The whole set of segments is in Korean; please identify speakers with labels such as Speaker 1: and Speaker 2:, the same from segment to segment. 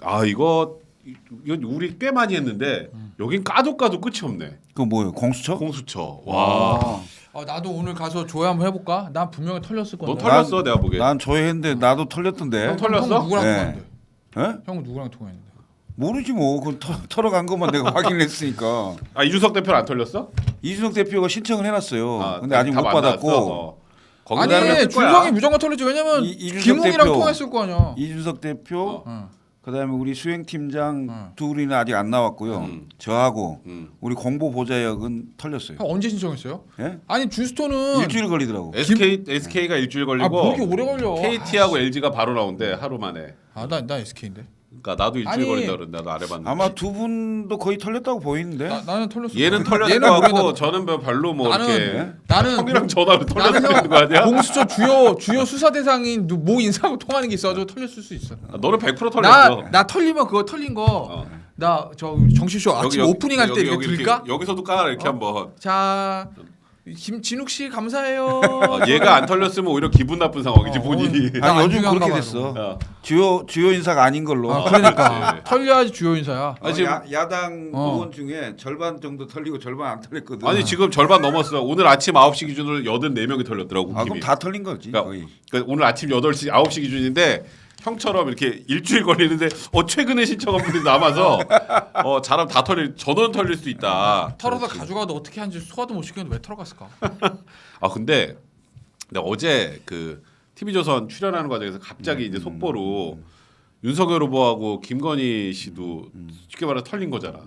Speaker 1: 아 이거 우리 꽤 많이 했는데 여긴 까도 끝이 없네.
Speaker 2: 그 뭐예요? 공수처?
Speaker 1: 공수처. 와.
Speaker 3: 나도 오늘 가서 조회 한번 해볼까? 난 분명히 털렸을 건데.
Speaker 1: 너 털렸어 내가 보기에.
Speaker 2: 난 조회했는데 나도 털렸던데.
Speaker 1: 형 털렸어?
Speaker 3: 형 누구랑
Speaker 2: 네.
Speaker 3: 통화했는데?
Speaker 2: 예?
Speaker 3: 형은 누구랑 통화했는데?
Speaker 2: 모르지 뭐. 그 털어간 것만 내가 확인했으니까.
Speaker 1: 아 이준석 대표는 안 털렸어?
Speaker 2: 이준석 대표가 신청을 해놨어요. 근데
Speaker 1: 다
Speaker 2: 아직 못
Speaker 1: 만났어?
Speaker 2: 받았고.
Speaker 1: 거기다
Speaker 3: 아니
Speaker 1: 털렸을 거야.
Speaker 3: 준성이 무조건 털리지. 왜냐면
Speaker 2: 이준석
Speaker 3: 김웅이랑
Speaker 2: 대표.
Speaker 3: 통화했을 거 아니야.
Speaker 2: 이준석 대표,
Speaker 3: 어.
Speaker 2: 그다음에 우리 수행팀장
Speaker 3: 어.
Speaker 2: 둘이는 아직 안 나왔고요. 저하고
Speaker 1: 음.
Speaker 2: 우리 공보보좌역은 털렸어요.
Speaker 3: 형 언제 신청했어요?
Speaker 2: 예?
Speaker 3: 아니 준스톤은
Speaker 2: 일주일 걸리더라고.
Speaker 1: SK가 일주일
Speaker 3: 뭐
Speaker 1: 걸리고
Speaker 3: 이렇게 오래 걸려?
Speaker 1: KT하고 LG가 바로 나온대 하루 만에.
Speaker 3: 나 SK인데.
Speaker 1: 그러니까 나도 일주일
Speaker 3: 아니,
Speaker 1: 걸린다 그러는데 나도 안 해봤는데.
Speaker 2: 아마 두 분도 거의 털렸다고 보이는데.
Speaker 3: 나는 털렸어.
Speaker 1: 얘는 털렸을
Speaker 3: 얘는
Speaker 1: 것 같고
Speaker 3: 모르겠는데.
Speaker 1: 저는 별로 뭐
Speaker 3: 나는
Speaker 1: 이렇게
Speaker 3: 나는
Speaker 1: 형이랑 전화로 털렸을
Speaker 3: 나는
Speaker 1: 수 있는 거 아니야?
Speaker 3: 공수처 주요 수사 대상인 모 인사하고 통하는 게 있어가지고 털렸을 수 있어.
Speaker 1: 아, 너는 100% 털렸어.
Speaker 3: 나 털리면 그거 털린 거. 나 저 정시쇼 아침 오프닝 할 때 이렇게 들까?
Speaker 1: 여기서도 깔아 이렇게 한번.
Speaker 3: 자 김진욱 씨 감사해요.
Speaker 1: 얘가 안 털렸으면 오히려 기분 나쁜 상황이지 본인이.
Speaker 3: 나
Speaker 2: 아니 요즘
Speaker 3: 안중한가
Speaker 2: 그렇게
Speaker 3: 봐,
Speaker 2: 됐어.
Speaker 1: 어.
Speaker 2: 주요 인사가 아닌 걸로.
Speaker 3: 그러니까
Speaker 1: 그렇지.
Speaker 3: 털려야지 주요 인사야.
Speaker 1: 아니, 지금-
Speaker 2: 야당
Speaker 3: 어.
Speaker 2: 의원 중에 절반 정도 털리고 절반 안 털렸거든.
Speaker 1: 아니 지금 절반 넘었어. 오늘 아침 9시 기준으로 84명이 털렸더라고.
Speaker 2: 아 그럼
Speaker 1: 국힘이.
Speaker 2: 다 털린 거지
Speaker 1: 그러니까,
Speaker 2: 거의.
Speaker 1: 그러니까 오늘 아침 8시 9시 기준인데 형처럼 이렇게 일주일 걸리는데 최근에 신청한 분들이 남아서 잘하면 다 전원 털릴 수 있다.
Speaker 3: 털어서 가져가도 어떻게 하는지 소화도 못 시켰는데 왜 털어갔을까?
Speaker 1: 아 근데 내가 어제 그 TV조선 출연하는 과정에서 갑자기 이제 속보로 윤석열 후보하고 김건희 씨도 쉽게 말해서 털린 거잖아.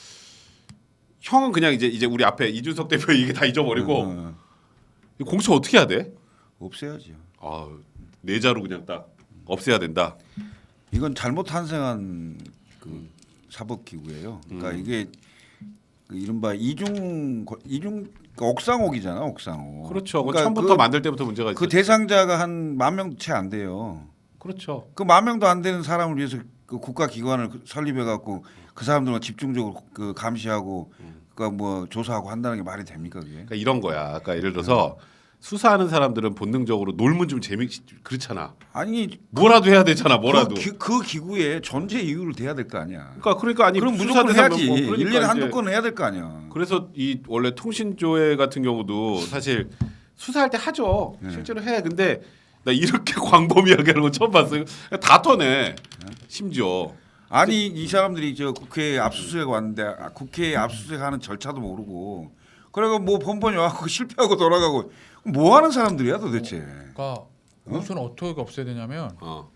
Speaker 1: 형은 그냥 이제 우리 앞에 이준석 대표 얘기 다 잊어버리고 이 공수처 어떻게 해야 돼?
Speaker 2: 없애야죠.
Speaker 1: 아 내자로 그냥 딱 없애야 된다.
Speaker 2: 이건 잘못 탄생한 그 사법기구예요. 그러니까 이게 그 이른바 이중 그러니까 옥상옥이잖아, 옥상옥.
Speaker 1: 그렇죠.
Speaker 2: 그러니까
Speaker 1: 처음부터 만들 때부터 문제가 있었죠.
Speaker 2: 그 대상자가 한 10,000명 채 안 돼요.
Speaker 1: 그렇죠.
Speaker 2: 그 10,000명도 안 되는 사람을 위해서 그 국가기관을 설립해 갖고 그 사람들만 집중적으로 그 감시하고 그러니까 뭐 조사하고 한다는 게 말이 됩니까 그게?
Speaker 1: 그러니까 이런 거야. 그러니까 예를 들어서 수사하는 사람들은 본능적으로 놀면 좀 그렇잖아.
Speaker 2: 아니
Speaker 1: 뭐라도 해야 되잖아. 뭐라도.
Speaker 2: 그 기구에 존재 이유를 대야 될 거 아니야.
Speaker 1: 그러니까 아니
Speaker 2: 그럼
Speaker 1: 수사
Speaker 2: 무조건
Speaker 1: 대상
Speaker 2: 해야지.
Speaker 1: 뭐 그러니까
Speaker 2: 1년에 한두
Speaker 1: 이제
Speaker 2: 건 해야 될 거 아니야.
Speaker 1: 그래서 이 원래 통신조회 같은 경우도 사실 수사할 때 하죠. 실제로 해. 근데 나 이렇게 광범위하게 하는 건 처음 봤어요. 다 터네. 심지어.
Speaker 2: 아니 이 사람들이 저 국회에 압수수색 왔는데 국회에 압수수색하는 절차도 모르고 그래가 뭐 번번이 와서 실패하고 돌아가고 뭐 하는 사람들이야 도대체.
Speaker 3: 그러니까 공수처는 어떻게 없애야 되냐면
Speaker 1: 어.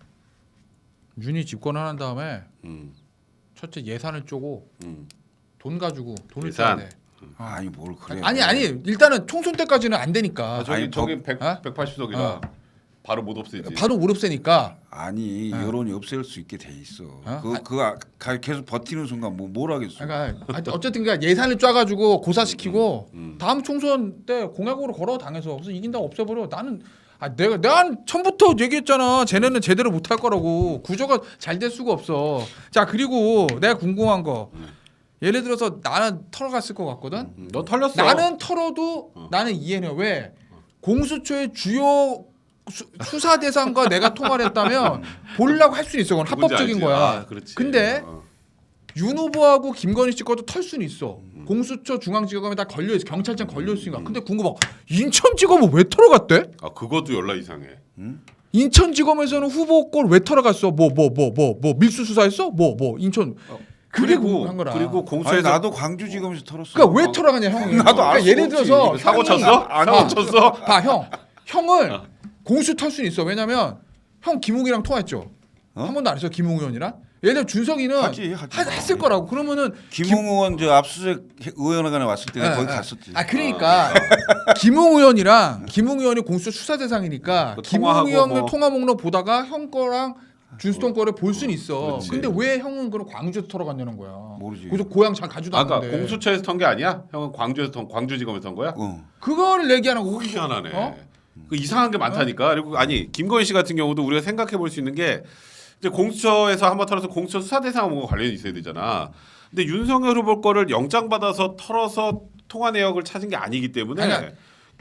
Speaker 3: 윤이 집권을 한 다음에
Speaker 1: 음.
Speaker 3: 첫째 예산을 쪼고
Speaker 1: 음.
Speaker 3: 돈 가지고 돈을
Speaker 1: 예산?
Speaker 3: 써야 돼.
Speaker 2: 아니 뭘 그래.
Speaker 3: 아니 일단은 총선 때까지는 안 되니까.
Speaker 1: 아, 저기
Speaker 2: 아니,
Speaker 1: 저기
Speaker 3: 어?
Speaker 1: 180석이라 바로 못 없애지.
Speaker 3: 바로 못 없애니까.
Speaker 2: 아니 여론이 없앨 수 있게 돼 있어.
Speaker 3: 어?
Speaker 2: 그거 계속 버티는 순간 뭘 하겠어.
Speaker 3: 그러니까 어쨌든 그러니까 예산을 짜가지고 고사시키고 다음 총선 때 공약으로 걸어 당해서 그래서 이긴다고 없애버려. 나는 내가 처음부터 얘기했잖아. 쟤네는 제대로 못할 거라고. 구조가 잘 될 수가 없어. 자 그리고 내가 궁금한 거. 예를 들어서 나는 털어갔을 것 같거든.
Speaker 1: 너 털렸어.
Speaker 3: 나는 털어도 나는 이해해. 왜? 공수처의 주요 수사 대상과 내가 통화를 했다면 보려고 할 수 있어. 그건
Speaker 1: 누군지
Speaker 3: 합법적인
Speaker 1: 알지.
Speaker 3: 거야.
Speaker 1: 아, 그렇지.
Speaker 3: 근데 윤 후보하고 김건희 씨 것도 털 수는 있어. 공수처 중앙지검에 다 걸려 있어. 경찰청 걸려 있으니까. 근데 궁금해. 인천지검은 왜 털어갔대?
Speaker 1: 아 그것도 연락 이상해.
Speaker 3: 인천지검에서는 후보 걸 왜 털어갔어? 뭐 밀수 수사했어? 인천 그게 궁금한 거라.
Speaker 1: 그리고
Speaker 2: 아니
Speaker 1: 공수처에서
Speaker 2: 나도 광주지검에서 털었어.
Speaker 3: 그러니까 왜 털어가냐 형이.
Speaker 2: 나도
Speaker 3: 그러니까
Speaker 2: 알 수가
Speaker 3: 예를
Speaker 2: 없지.
Speaker 3: 들어서
Speaker 1: 사고
Speaker 3: 형이-
Speaker 1: 쳤어? 사고 쳤어?
Speaker 3: 봐 형을 공수 털 수는 있어. 왜냐면 형 김웅이랑 통화했죠. 한 번도 안 했어 김웅 의원이랑. 예를 들어 준석이는
Speaker 2: 하지.
Speaker 3: 했을 거라고. 그러면은
Speaker 2: 김웅 의원 저 압수수색 의원회관에 왔을 때 내가 거기
Speaker 3: 예.
Speaker 2: 갔었지.
Speaker 3: 그러니까 김웅 의원이랑 김웅 의원이 공수처 수사 대상이니까
Speaker 1: 그
Speaker 3: 김웅
Speaker 1: 통화하고
Speaker 3: 의원의
Speaker 1: 뭐.
Speaker 3: 통화 목록 보다가 형 거랑 준수동 거를 볼 수는 있어.
Speaker 1: 그렇지.
Speaker 3: 근데 왜 형은 그럼 광주에서 털어갔냐는 거야.
Speaker 2: 모르지.
Speaker 3: 그래서 고향 잘 가지도
Speaker 1: 아까
Speaker 3: 않는데.
Speaker 1: 공수처에서 턴 게 아니야? 형은 광주지검에서 턴 거야?
Speaker 3: 그거를 얘기하는 거고.
Speaker 1: 희한하네.
Speaker 3: 어?
Speaker 1: 그 이상한 게 많다니까. 그리고 아니 김건희 씨 같은 경우도 우리가 생각해 볼 수 있는 게 이제 공수처에서 한번 털어서 공수처 수사 대상하고 관련이 있어야 되잖아. 근데 윤석열 후보 거를 영장 받아서 털어서 통화 내역을 찾은 게 아니기 때문에
Speaker 3: 아니야.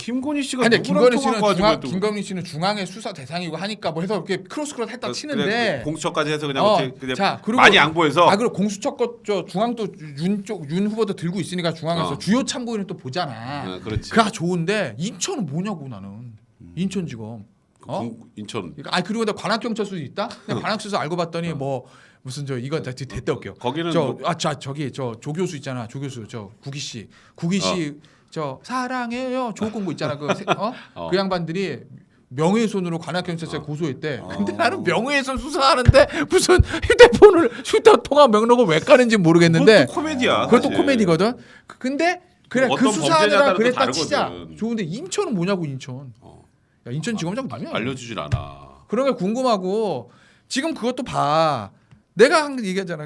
Speaker 1: 김건희 씨가
Speaker 3: 근데
Speaker 1: 누구랑
Speaker 3: 김건희 씨는
Speaker 1: 통화한 거 가지고 또
Speaker 3: 김건희 씨는 중앙의 수사 대상이고 하니까 뭐 해서 이렇게 크로스 했다 치는데
Speaker 1: 그래, 공수처까지 해서 그냥 그냥
Speaker 3: 자, 그리고
Speaker 1: 많이 양보해서
Speaker 3: 그리고 공수처 거저 중앙도 윤 후보도 들고 있으니까 중앙에서 주요 참고인은 또 보잖아.
Speaker 1: 그렇지.
Speaker 3: 그가 좋은데 인천은 뭐냐고 나는 인천지검.
Speaker 1: 인천
Speaker 3: 그리고 나 관악경찰서도 있다. 근데 관악경찰서 알고 봤더니 뭐 무슨 저 이거 됐다 올게요.
Speaker 1: 거기는
Speaker 3: 저기 저 조교수 있잖아. 조교수 저 구기 씨 저 사랑해요 조공부 있잖아. 그 양반들이 명예훼손으로 관악경찰서에 고소했대. 근데 나는 명예훼손 수사하는데 무슨 휴대통화 명록을 왜 까는지 모르겠는데
Speaker 1: 그것도 코미디야.
Speaker 3: 그것도
Speaker 1: 사실.
Speaker 3: 코미디거든. 근데 그래 그
Speaker 1: 어떤
Speaker 3: 수사하느라
Speaker 1: 범죄냐에 따라
Speaker 3: 그랬다
Speaker 1: 또
Speaker 3: 치자.
Speaker 1: 다르거든.
Speaker 3: 좋은데 인천은 뭐냐고 인천. 야 인천지검장 누구냐?
Speaker 1: 알려주질 않아.
Speaker 3: 그런 게 궁금하고 지금 그것도 봐. 내가 한 얘기하잖아.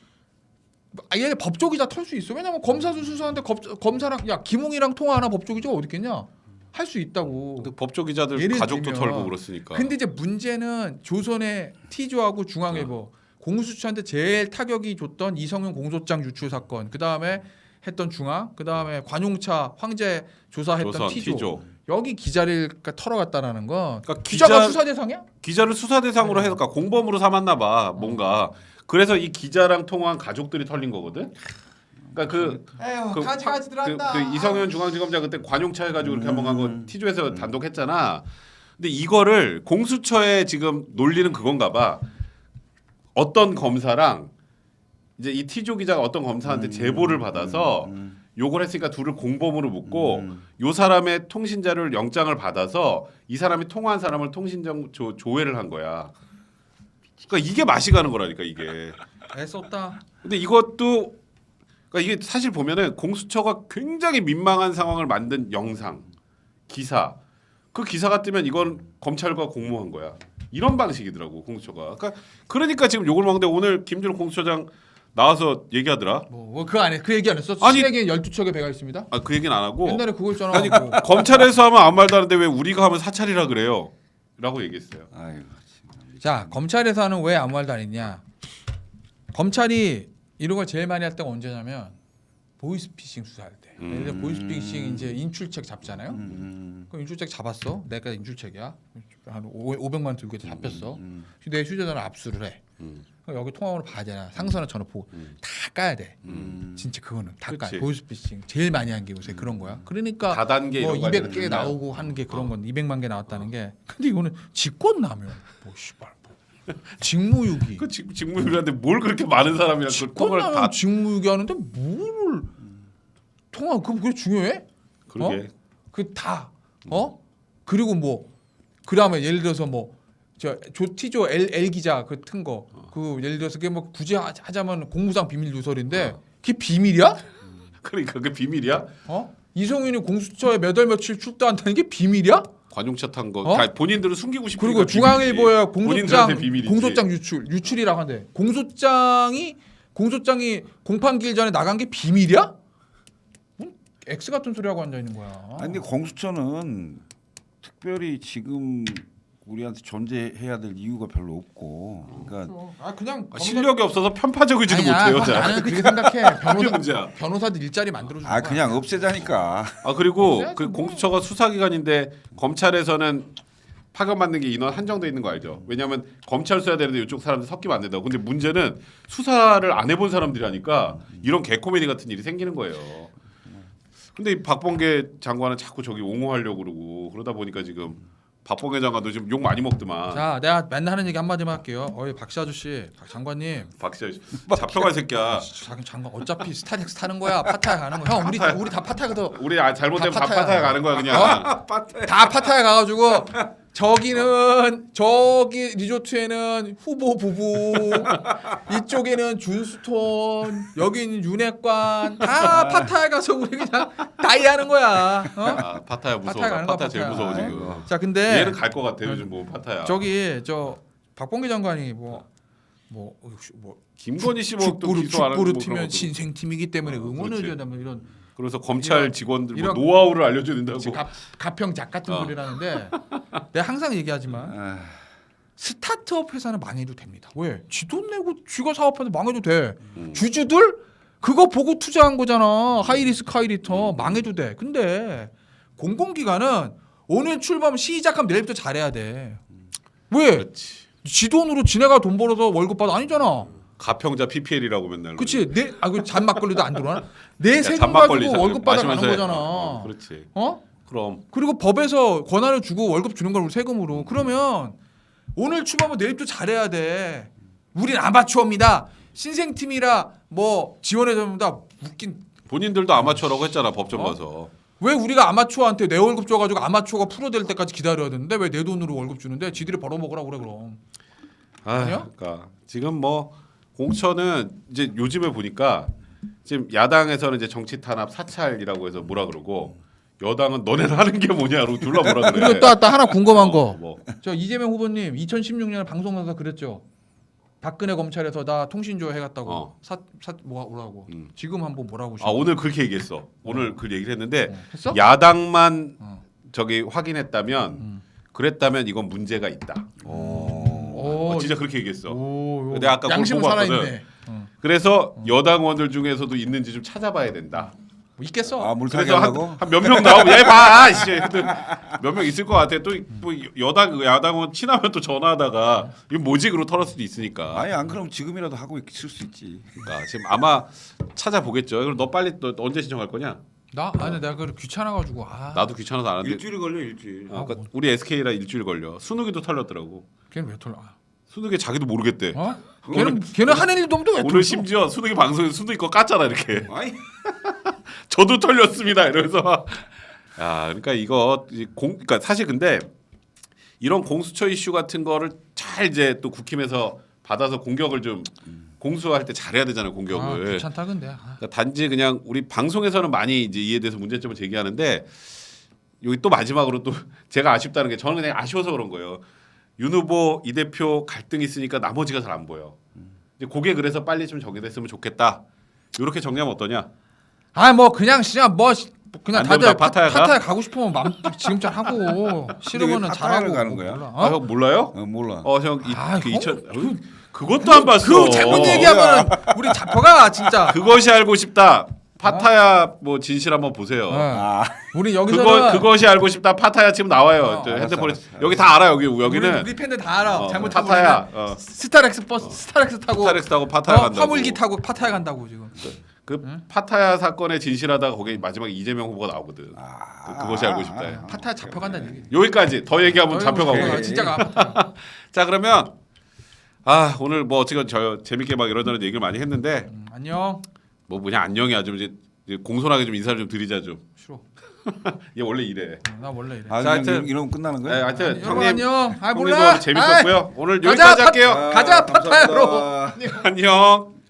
Speaker 3: 얘네 법조기자 털 수 있어. 왜냐면 검사도 수사하는데 검사랑 야 김웅이랑 통화하나 법조기자가 어디 있겠냐? 할 수 있다고.
Speaker 1: 근데 법조 기자들
Speaker 3: 예를
Speaker 1: 가족도
Speaker 3: 들면.
Speaker 1: 털고 그렇으니까.
Speaker 3: 근데 이제 문제는 조선의 T조하고 중앙일보 공수처한테 제일 타격이 줬던 이성윤 공소장 유출 사건. 그 다음에 했던 중앙. 그 다음에 관용차 황제 조사했던
Speaker 1: 조선,
Speaker 3: T조. 여기 기자를 털어갔다라는 건
Speaker 1: 그러니까
Speaker 3: 기자가 수사 대상이야?
Speaker 1: 기자를 수사 대상으로 해서 그러니까 공범으로 삼았나 봐. 뭔가. 그래서 이 기자랑 통화한 가족들이 털린 거거든. 그러니까
Speaker 3: 가지들 한다.
Speaker 1: 그 이성현 중앙지검장 그때 관용차 해가지고 이렇게 한번 간 거 T조에서 단독 했잖아. 근데 이거를 공수처에 지금 논리는 그건가 봐. 어떤 검사랑 이제 이 T조 기자가 어떤 검사한테 제보를 받아서 요걸 했으니까 둘을 공범으로 묶고 요 사람의 통신자를 영장을 받아서 이 사람이 통화한 사람을 통신정 조회를 한 거야. 그러니까 이게 맛이 가는 거라니까 이게.
Speaker 3: 애썼다.
Speaker 1: 근데 이것도 그러니까 이게 사실 보면은 공수처가 굉장히 민망한 상황을 만든 영상, 기사. 그 기사가 뜨면 이건 검찰과 공모한 거야. 이런 방식이더라고 공수처가. 그러니까 지금 욕을 먹는데 오늘 김준호 공수처장 나와서 얘기하더라.
Speaker 3: 그 안에 그 얘기 안 했어?
Speaker 1: 아니,
Speaker 3: 신에게 12척의 배가 있습니다.
Speaker 1: 그 얘기는 안 하고.
Speaker 3: 옛날에 그거 있잖아.
Speaker 1: 아니 검찰에서 하면 아무 말도 안 하는데 왜 우리가 하면 사찰이라 그래요? 라고 얘기했어요.
Speaker 2: 아이고.
Speaker 3: 자 검찰에서는 왜 아무 말도 안 했냐? 검찰이 이런 걸 제일 많이 할 때가 언제냐면 보이스피싱 수사할 때. 예를 들어 보이스피싱 이제 인출책 잡잖아요. 그럼 인출책 잡았어. 내가 인출책이야. 한 500만 들고 잡혔어. 내 휴대전화 압수를 해. 그럼 여기 통화번호 봐야 되나? 상선을 전화 보고 다 까야 돼. 진짜 그거는 다 까.
Speaker 1: 그치.
Speaker 3: 보이스피싱 제일 많이 한 게 요새 그런 거야. 그러니까
Speaker 1: 다단계
Speaker 3: 뭐
Speaker 1: 이런 거
Speaker 3: 200개
Speaker 1: 하려면
Speaker 3: 나오고 하는 게 그런 건 200만 개 나왔다는 게. 근데 이거는 직권남용. 뭐 씨발. 직무유기.
Speaker 1: 그 직무유기한테 뭘 그렇게 많은 사람이랑 그 통화를 다
Speaker 3: 직권남용 직무유기 하는데 뭐를 통화 그게 중요해?
Speaker 1: 그러게.
Speaker 3: 그 다 그리고 뭐 그다음에 예를 들어서 뭐 저 T조 L 기자 그 튼 거 그 예를 들어서 그게 뭐 굳이 하자면 공무상 비밀 누설인데 그게 비밀이야?
Speaker 1: 그러니까 그게 비밀이야?
Speaker 3: 이성윤이 공수처에 몇 월 며칠 출두한다는 게 비밀이야?
Speaker 1: 관용차 탄 거. 그러니까 본인들은 숨기고 싶으니까.
Speaker 3: 그리고 중앙일보에
Speaker 1: 본인들한테 비밀이지.
Speaker 3: 공소장 유출이라고 한대. 공소장이 공판기일 전에 나간 게 비밀이야? X 같은 소리 하고 앉아 있는 거야.
Speaker 2: 아니 근데 공수처는 특별히 지금 우리한테 존재해야 될 이유가 별로 없고, 그러니까
Speaker 3: 그냥
Speaker 1: 실력이 없어서 편파적이지도
Speaker 3: 아니야,
Speaker 1: 못해요. 자.
Speaker 3: 나는 그렇게 생각해.
Speaker 1: 그게 문제야.
Speaker 3: 변호사들 일자리 만들어주는 거야.
Speaker 2: 그냥 없애자니까.
Speaker 1: 그리고
Speaker 3: 그래야지
Speaker 1: 그
Speaker 3: 뭐.
Speaker 1: 공수처가 수사기관인데 검찰에서는 파견받는 게 인원 한정돼 있는 거 알죠? 왜냐하면 검찰 써야 되는데 이쪽 사람들 섞이면 안 된다고. 근데 문제는 수사를 안 해본 사람들이 하니까 이런 개코미디 같은 일이 생기는 거예요. 근데 이 박범계 장관은 자꾸 저기 옹호하려고 그러고 그러다 보니까 지금 박범계 장관도 지금 욕 많이 먹더만.
Speaker 3: 자, 내가 맨날 하는 얘기 한마디만 할게요. 박씨 아저씨, 박 장관님.
Speaker 1: 박씨 잡혀갈 새끼야.
Speaker 3: 장관 어차피 스타렉스 타는 거야. 파타야 가는 거야. 형 우리 다 파타야 가서
Speaker 1: 우리 잘못되면
Speaker 3: 다
Speaker 1: 다
Speaker 3: 파타야.
Speaker 1: 파타야 가는 거야 그냥.
Speaker 3: 다 파타야 가가지고 저기 리조트에는 후보 부부, 이쪽에는 준스톤, 여기는 윤핵관 다 파타야 가서 우리 그냥 다이하는 거야.
Speaker 1: 파타야 무서워.
Speaker 3: 파타야 가는 거야,
Speaker 1: 파타야 제일
Speaker 3: 파타야.
Speaker 1: 무서워 지금.
Speaker 3: 자, 근데
Speaker 1: 얘는 갈 것 같아 요즘 뭐 파타야.
Speaker 3: 저기 박범계 장관이
Speaker 1: 김건희 씨 뭐 또 기소 안 하는
Speaker 3: 축구를
Speaker 1: 뭐 그런
Speaker 3: 팀면
Speaker 1: 것도.
Speaker 3: 신생팀이기 때문에 응원해줘야 된다 이런
Speaker 1: 그래서 검찰 직원들 뭐
Speaker 3: 이런-
Speaker 1: 노하우를 알려줘야 된다고.
Speaker 3: 가평작 같은 소리를 하는데 내가 항상 얘기하지만 스타트업 회사는 망해도 됩니다. 왜? 지 돈 내고 쥐가 사업해도 망해도 돼. 주주들 그거 보고 투자한 거잖아. 하이리스크 하이리턴 망해도 돼. 근데 공공기관은 오늘 출범 시작하면 내일부터 잘해야 돼. 왜?
Speaker 1: 그렇지.
Speaker 3: 지 돈으로 지네가 돈 벌어서 월급 받아 아니잖아.
Speaker 1: 가평자 PPL이라고 맨날.
Speaker 3: 그렇지. 그 잔막걸리도 안 들어와. 내
Speaker 1: 야,
Speaker 3: 세금
Speaker 1: 잔막걸리
Speaker 3: 가지고 월급 받아 가는
Speaker 1: 마시면서 해.
Speaker 3: 거잖아.
Speaker 1: 그렇지.
Speaker 3: 어?
Speaker 1: 그럼
Speaker 3: 그리고 법에서 권한을 주고 월급 주는 걸 우리 세금으로. 그러면 오늘 출범은 내일부터 잘해야 돼. 우린 아마추어입니다. 신생팀이라 뭐 지원해줍니다. 웃긴.
Speaker 1: 본인들도 아마추어라고 했잖아 법정
Speaker 3: 어?
Speaker 1: 가서.
Speaker 3: 왜 우리가 아마추어한테 내 월급 줘가지고 아마추어가 프로 될 때까지 기다려야 되는데 왜 내 돈으로 월급 주는데 지들이 벌어먹으라 그래 그럼. 아니야?
Speaker 1: 그러니까 지금 뭐 공천은 이제 요즘에 보니까 지금 야당에서는 이제 정치 탄압 사찰이라고 해서 뭐라 그러고 여당은 너네는 하는 게 뭐냐로 둘러 뭐라 그래.
Speaker 3: 그리고 또 하나 궁금한 거.
Speaker 1: 뭐.
Speaker 3: 저 이재명 후보님 2016년에 방송에서 그랬죠. 박근혜 검찰에서 나 통신조 해갔다고 뭐라고. 지금 한번 뭐라고.
Speaker 1: 아 오늘 그렇게 얘기했어. 오늘 그 얘기를 했는데
Speaker 3: 했어?
Speaker 1: 야당만 저기 확인했다면 그랬다면 이건 문제가 있다. 진짜 그렇게 얘기했어.
Speaker 3: 오,
Speaker 1: 내가 아까 그걸
Speaker 3: 양심은
Speaker 1: 보고
Speaker 3: 살아있네.
Speaker 1: 왔거든. 그래서 여당원들 중에서도 있는지 좀 찾아봐야 된다.
Speaker 3: 뭐 있겠어.
Speaker 2: 아 물타기
Speaker 1: 그래서
Speaker 2: 하려고?
Speaker 1: 한 몇 명 나오면 얘봐 몇 명 있을 것 같아. 또 뭐 야당원 친하면 또 전화하다가 이거 뭐지 그러고 털을 수도 있으니까.
Speaker 2: 아니 안 그럼 지금이라도 하고 있을 수 있지.
Speaker 1: 그러니까 지금 아마 찾아보겠죠. 그럼 너 빨리 너 언제 신청할 거냐?
Speaker 3: 아니 내가 그 귀찮아가지고.
Speaker 1: 나도 귀찮아서 안 하는데.
Speaker 2: 일주일이 걸려 일주일.
Speaker 1: 그러니까 우리 SK라 일주일 걸려. 순욱이도 털렸더라고.
Speaker 3: 걔는 왜 털려?
Speaker 1: 순욱이 자기도 모르겠대.
Speaker 3: 어? 걔는 하는 일도 없는데 왜 털려?
Speaker 1: 오늘 심지어 순욱이 방송에서 순욱이 거 깠잖아 이렇게.
Speaker 2: 아니
Speaker 1: 저도 털렸습니다. 이러면서 야, 그러니까 이거 그러니까 사실 근데 이런 공수처 이슈 같은 거를 잘 이제 또 국힘에서 받아서 공격을 좀 공수할 때 잘해야 되잖아요 공격을.
Speaker 3: 귀찮다 근데.
Speaker 1: 그러니까 단지 그냥 우리 방송에서는 많이 이제 이에 대해서 문제점을 제기하는데 여기 또 마지막으로 또 제가 아쉽다는 게 저는 그냥 아쉬워서 그런 거예요. 윤 후보 이 대표 갈등이 있으니까 나머지가 잘 안 보여. 이제 그게 그래서 빨리 좀 정리됐으면 좋겠다. 이렇게 정리하면 어떠냐?
Speaker 3: 뭐 그냥 그냥
Speaker 1: 안
Speaker 3: 다들
Speaker 1: 된다, 파타야가?
Speaker 3: 파타야 가고 싶으면 지금처럼 하고 싫으면은
Speaker 2: 파타야를
Speaker 3: 잘하고
Speaker 2: 가는 거야?
Speaker 3: 몰라.
Speaker 1: 아, 형 몰라요?
Speaker 2: 몰라.
Speaker 1: 형
Speaker 3: 아,
Speaker 1: 그
Speaker 3: 형?
Speaker 1: 2000 그것도 안 봤어.
Speaker 3: 그 잘못 얘기하면은 우리 잡혀가 진짜.
Speaker 1: 그것이 알고 싶다. 파타야 뭐 진실 한번 보세요.
Speaker 2: 아
Speaker 3: 우리 여기서는
Speaker 1: 그것이 알고 싶다. 파타야 지금 나와요. 저
Speaker 2: 알았어,
Speaker 1: 핸드폰에
Speaker 2: 알았어.
Speaker 1: 여기 다 알아 여기는
Speaker 3: 우리 팬들 다 알아. 잘못
Speaker 1: 파타야.
Speaker 3: 스타렉스 버스 스타렉스 타고
Speaker 1: 스타렉스 타고 파타야 간다고.
Speaker 3: 화물기 타고 파타야 간다고 지금.
Speaker 1: 그 파타야 사건의 진실하다가 거기 마지막에 이재명 후보가 나오거든. 그것이 알고 싶다.
Speaker 3: 파타야 잡혀간다는 얘기.
Speaker 1: 여기까지 더 얘기하면 잡혀가고.
Speaker 3: 진짜가 파타야.
Speaker 1: 자 그러면 오늘 뭐 어쨌든 저 재밌게 막 이런저런 얘기를 많이 했는데
Speaker 3: 안녕.
Speaker 1: 뭐 그냥 안녕이야 좀 이제 공손하게 좀 인사를 좀 드리자 좀.
Speaker 3: 싫어.
Speaker 1: 얘 원래 이래.
Speaker 3: 나 원래 이래.
Speaker 2: 자,
Speaker 1: 하여튼
Speaker 2: 이러면 끝나는 거야?
Speaker 1: 네, 하여튼
Speaker 3: 여러분
Speaker 1: 형님
Speaker 3: 안녕.
Speaker 1: 형님도
Speaker 3: 몰라.
Speaker 1: 재밌었고요. 오늘
Speaker 3: 가자,
Speaker 1: 여기까지 할게요.
Speaker 3: 가자, 파타야로.
Speaker 2: 감사합니다.
Speaker 1: 안녕.